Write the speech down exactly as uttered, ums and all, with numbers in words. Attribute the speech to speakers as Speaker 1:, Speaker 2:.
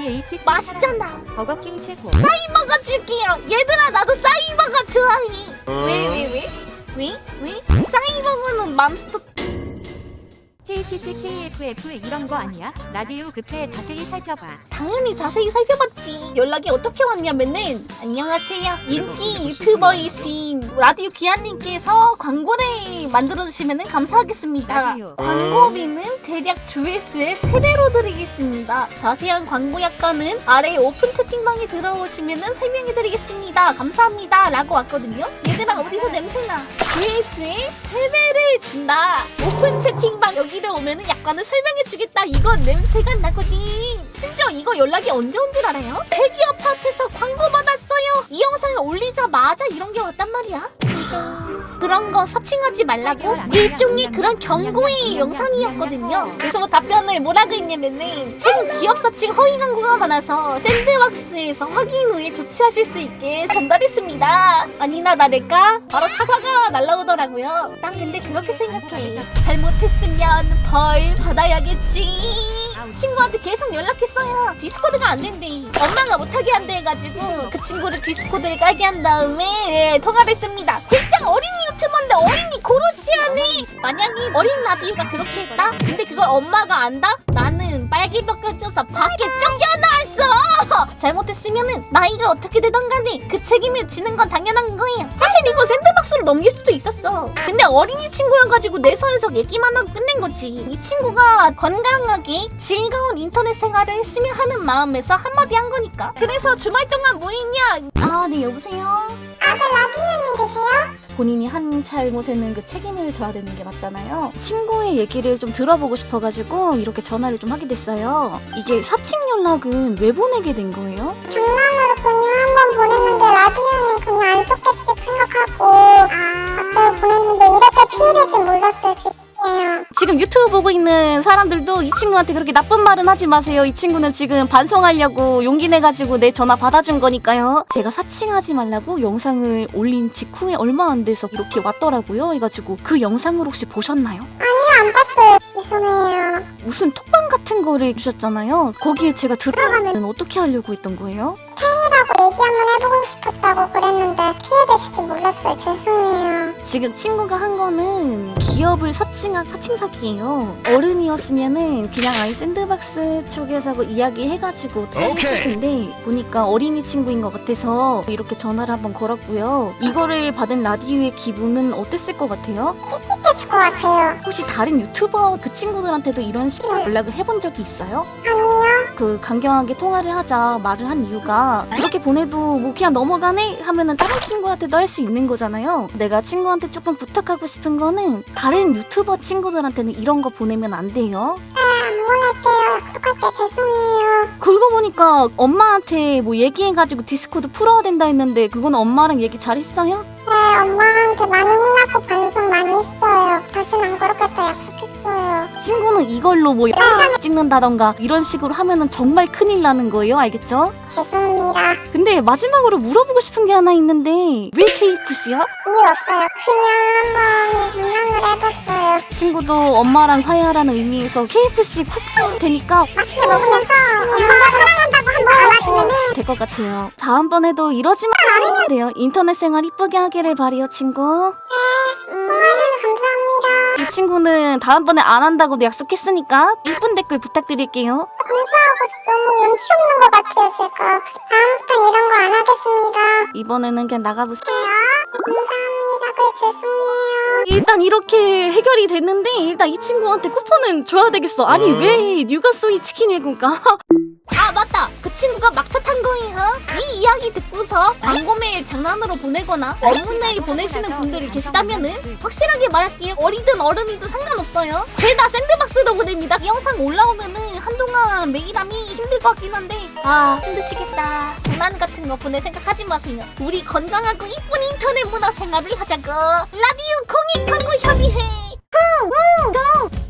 Speaker 1: 디에이치
Speaker 2: 맛있잖아.
Speaker 1: 버거킹 최고.
Speaker 2: 싸이버거 줄게요. 얘들아 나도 싸이버거 좋아해. 왜 왜 왜? 왜? 왜? 싸이버거는 맘스터.
Speaker 1: 케이피씨 케이에프에프 이런 거 아니야? 라디오 급해 자세히 살펴봐.
Speaker 2: 당연히 자세히 살펴봤지. 연락이 어떻게 왔냐면은 안녕하세요. 인기 유튜버이신 라디오 기아님께서 광고를 만들어주시면 감사하겠습니다.
Speaker 1: 라디오.
Speaker 2: 광고비는 대략 조회수의 세 배로 드리겠습니다. 자세한 광고 약관은 아래 오픈 채팅방에 들어오시면 설명해드리겠습니다. 감사합니다. 라고 왔거든요. 얘들아 어디서 냄새나? 조회수의 세 배를 준다. 오픈 채팅방 여기를 오면은 약관을 설명해주겠다. 이건 냄새가 나거든. 심지어 이거 연락이 언제 온 줄 알아요? 대기업 파트에서 광고 받았어요. 이 영상을 올리자마자 이런 게 왔단 말이야. 그런 거 서칭하지 말라고 일종의 그런 경고의 영상이었거든요. 그래서 뭐 답변을 뭐라고 했냐면은 최근 기업 서칭 허위 광고가 많아서 샌드박스에서 확인 후에 조치하실 수 있게 전달했습니다. 아니나 다를까 바로 사과가 날라오더라고요. 난 근데 그렇게 생각해. 잘못했으면 벌 받아야겠지. 친구한테 계속 연락했어요. 디스코드가 안 된대. 엄마가 못하게 한대 해가지고 그 친구를 디스코드를 깔게 한 다음에 통화를 했습니다. 굉장히 어린이 유튜버인데 어린이 고로시하네. 만약에 어린 라디오가 그렇게 했다? 근데 그걸 엄마가 안다? 나는 빨개벽 껴줘서 밖에 쫓겨나왔어. 잘못했으면은 나이가 어떻게 되던 간에 그 책임을 지는 건 당연한 거예요. 사실 이거 샌드박스로 넘길 수도 있었어. 근데 어린이 친구여가지고 내 선에서 얘기만 하고 끝낸 거지. 이 친구가 건강하게 즐거운 인터넷 생활을 했으면 하는 마음에서 한마디 한 거니까. 그래서 주말 동안 뭐 했냐? 아, 네, 여보세요?
Speaker 3: 아, 그 라디오님 계세요?
Speaker 2: 본인이 한 잘못에는 그 책임을 져야 되는 게 맞잖아요. 친구의 얘기를 좀 들어보고 싶어가지고 이렇게 전화를 좀 하게 됐어요. 이게 사칭 연락은 왜 보내게 된 거예요?
Speaker 3: 장난으로 그냥 한번 보냈는데 라디오님 그냥 안 속겠지 생각하고 아, 갑자기 보냈는데 이렇게 피해될 줄 몰랐어요. 죄송해요.
Speaker 2: 지금 유튜브 보고 있는 사람들도 이 친구한테 그렇게 나쁜 말은 하지 마세요. 이 친구는 지금 반성하려고 용기 내가지고 내 전화 받아준 거니까요. 제가 사칭하지 말라고 영상을 올린 직후에 얼마 안 돼서 이렇게 왔더라고요. 해가지고 그 영상을 혹시 보셨나요?
Speaker 3: 아니요, 안 봤어요. 죄송해요.
Speaker 2: 무슨 톡방 같은 거를 주셨잖아요. 거기에 제가 들어가면 어떻게 하려고 했던 거예요?
Speaker 3: 팬이라고 얘기 한번 해보고 싶었다고 그랬는데 피해되실 줄 몰랐어요. 죄송해요.
Speaker 2: 지금 친구가 한 거는 기업을 사칭한 사칭 사기예요. 어른이었으면은 그냥 아이 샌드박스 쪽에서 이야기해가지고 처리했을 텐데 보니까 어린이 친구인 것 같아서 이렇게 전화를 한번 걸었고요. 이거를 받은 라디오의 기분은 어땠을 것 같아요?
Speaker 3: 찝찝했을 것 같아요.
Speaker 2: 혹시 다른 유튜버 그 친구들한테도 이런 식으로 연락을 해본 적이 있어요?
Speaker 3: 아니요.
Speaker 2: 그 강경하게 통화를 하자 말을 한 이유가 이렇게 보내도 뭐 그냥 넘어가네 하면은 다른 친구한테도 할 수 있는 거잖아요. 내가 친구한테 조금 부탁하고 싶은 거는 다른 유튜버 친구들한테는 이런 거 보내면 안 돼요.
Speaker 3: 네, 안 보낼게요. 약속할게요. 죄송해요.
Speaker 2: 그러고 보니까 엄마한테 뭐 얘기해가지고 디스코드 풀어야 된다 했는데 그거는 엄마랑 얘기 잘했어요?
Speaker 3: 네, 엄마한테 많이 혼나고 반성 많이 했어요. 다시는 안 그렇겠다 약속했어요.
Speaker 2: 친구는 이걸로 뭐 영상 찍는다던가 이런 식으로 하면은 정말 큰일 나는 거예요. 알겠죠?
Speaker 3: 죄송합니다.
Speaker 2: 근데 마지막으로 물어보고 싶은 게 하나 있는데 왜 케이에프씨야?
Speaker 3: 이유 없어요. 그냥 한번 장난을 해봤어요.
Speaker 2: 친구도 엄마랑 화해하라는 의미에서 케이에프씨 쿠폰 되니까
Speaker 3: 맛있게 먹으면서 엄마가 사랑한다고 한번 안아주면은
Speaker 2: 될 것 같아요. 다음번에도 이러지 말아야 돼요. 인터넷 생활 이쁘게 하기를 바래요, 친구.
Speaker 3: 통화해주셔서 감사합니다.
Speaker 2: 이 친구는 다음번에 안 한다고도 약속했으니까 이쁜 댓글 부탁드릴게요.
Speaker 3: 감사하고 너무 염치 없는 것 같아요, 제가. 다음부턴 이런 거 안 하겠습니다.
Speaker 2: 이번에는 그냥 나가보세요.
Speaker 3: 감사합니다. 그래, 죄송해요.
Speaker 2: 일단 이렇게 해결이 됐는데 일단 이 친구한테 쿠폰은 줘야 되겠어. 아니 왜 뉴가소이 치킨을 굴까? 아 맞다, 그 친구가 막차 탄 거예요. 이 이야기 듣고서 광고 메일 장난으로 보내거나 업무 메일 보내시는 분들이 계시다면은 확실하게 말할게요. 어리든 어른이든 상관없어요. 죄다 샌드박스로 보냅니다. 이 영상 올라오면은 한동안 메일함이 힘들 것 같긴 한데 아 힘드시겠다. 장난 같은 거 보낼 생각하지 마세요. 우리 건강하고 이쁜 인터넷 문화 생활을 하자고. 라디오 공익 광고 협의회. 후, 후,